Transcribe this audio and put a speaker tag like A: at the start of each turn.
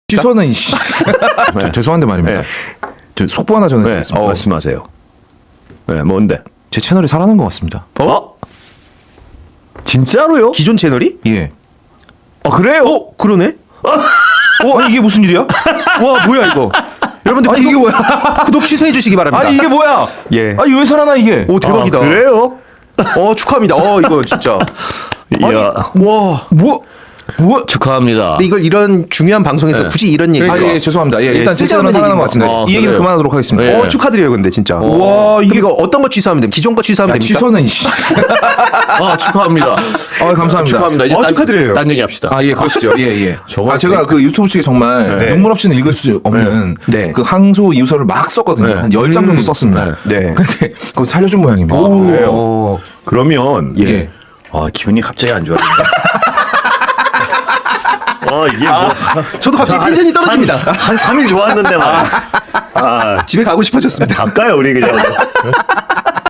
A: 취소는 죄송한데 말입니다.
B: 네.
A: 저 속보 하나
B: 네,
A: 전해드리겠습니다.
B: 말씀하세요. 네, 뭔데?
A: 제 채널이 살아난 것 같습니다.
B: 진짜로요?
C: 기존 채널이?
A: 예.
B: 그래요?
C: 그러네. 아니, 이게 무슨 일이야? 와, 뭐야 이거? 여러분들
A: 아니, 이게 뭐야?
C: 구독 취소해 주시기 바랍니다.
A: 아니 이게 뭐야?
C: 예.
A: 아니 왜 살아나 이게?
C: 오, 대박이다.
B: 그래요?
C: 축하합니다. 이거 진짜.
B: 이야,
C: 와,
B: 축하합니다.
C: 근데 이걸 이런 중요한 방송에서
B: 네.
C: 굳이 이런 얘기.
A: 아, 예, 죄송합니다. 예, 일단 제 채널은
C: 쓸데없는
A: 살아난 것
C: 얘기인
A: 같습니다.
B: 것
A: 이 얘기는
B: 그래요?
A: 그만하도록 하겠습니다.
B: 네.
C: 축하드려요, 근데 진짜.
A: 와,
C: 이게 어떤 거 취소하면 됩니까? 기존 거 취소하면
A: 야,
C: 됩니까?
A: 취소는
B: 축하합니다.
A: 감사합니다.
B: 축하합니다. 이제
C: 축하드려요.
B: 딴 얘기 합시다.
A: 아, 예, 그러시죠. 예, 예.
B: 저거
A: 제가 그 유튜브 측에 정말
C: 네.
A: 눈물 없이는 읽을 수 없는
C: 네.
A: 그 항소 이유서를 막 썼거든요.
B: 네.
A: 한 10장 정도 썼습니다.
C: 네.
A: 근데 그거 살려준 모양입니다.
B: 그래요? 그러면
A: 예.
B: 기분이 갑자기 안 좋아진다. 이게 뭐
C: 저도 갑자기 텐션이 떨어집니다.
B: 한 3일 좋았는데 말이야.
C: 집에 가고 싶어졌습니다.
B: 갈까요 우리 그냥?